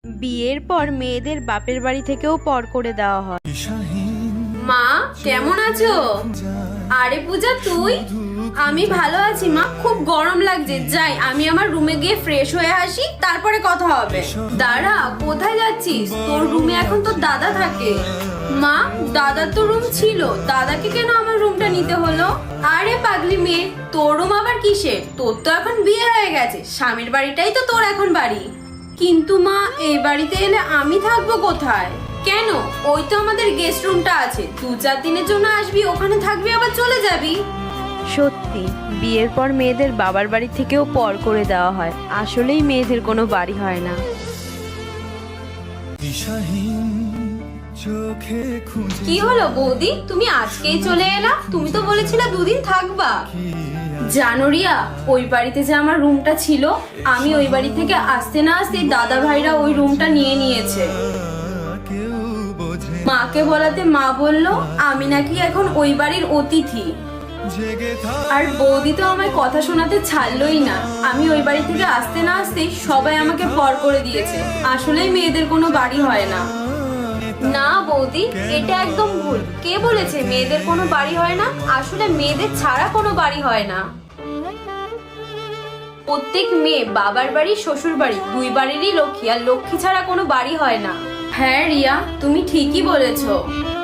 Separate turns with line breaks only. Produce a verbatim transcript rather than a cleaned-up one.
বিয়ের পর মেয়েদের বাপের বাড়ি থেকেও পর করে দেওয়া হয়।
মা কেমন আছো? আরে পূজা তুই? আমি ভালো আছি মা, খুব গরম লাগছে, যাই আমি আমার রুমে গিয়ে ফ্রেশ হয়ে আসি, তারপরে কথা হবে। দাঁড়া, কোথায় যাচ্ছিস? তোর রুমে এখন তোর দাদা থাকে। মা, দাদার তো রুম ছিল, দাদাকে কেন আমার রুমটা নিতে হলো? আরে পাগলি মেয়ে, তোর রুম আবার কিসের? তোর তো এখন বিয়ে হয়ে গেছে, স্বামীর বাড়িটাই তো তোর এখন বাড়ি। কিন্তু মা, এই বাড়িতে এলে আমি থাকবো কোথায়? কেন, ওই তো আমাদের গেস্ট রুমটা আছে, দু চার দিনের জন্য আসবি, ওখানে থাকবি আবার চলে যাবি।
সত্যি, বিয়ের পর মেয়েদের বাবার বাড়ি থেকেও পর করে দেওয়া হয়। আসলেই মেয়েদের কোনো বাড়ি হয় না।
কি হলো বৌদি, তুমি আজকেই চলে এলা? তুমি তো বলেছিলে দুদিন থাকবা। জানো রিয়া, ওই বাড়িতে যে আমার রুমটা ছিল, আমি ওই বাড়ি থেকে আসতে না আসতে দাদা ভাইরা ওই রুমটা নিয়ে নিয়েছে। মাকে বলাতে মা বললো আমি নাকি এখন ওই বাড়ির অতিথি। আর বৌদি তো আমায় কথা শোনাতে ছাড়লোই না। আমি ওই বাড়ি থেকে আসতে না আসতেই সবাই আমাকে পর করে দিয়েছে। আসলেই মেয়েদের কোনো বাড়ি হয় না। না বৌদি, এটা একদম ভুল। কে বলেছে মেয়েদের কোনো বাড়ি হয় না? আসলে মেয়েদের ছাড়া কোনো বাড়ি হয় না। প্রত্যেক মেয়ে বাবার বাড়ি শ্বশুর বাড়ি দুই বাড়িরই লক্ষ্মী, আর লক্ষ্মী ছাড়া কোনো বাড়ি হয় না। হ্যাঁ রিয়া, তুমি ঠিকই বলেছো।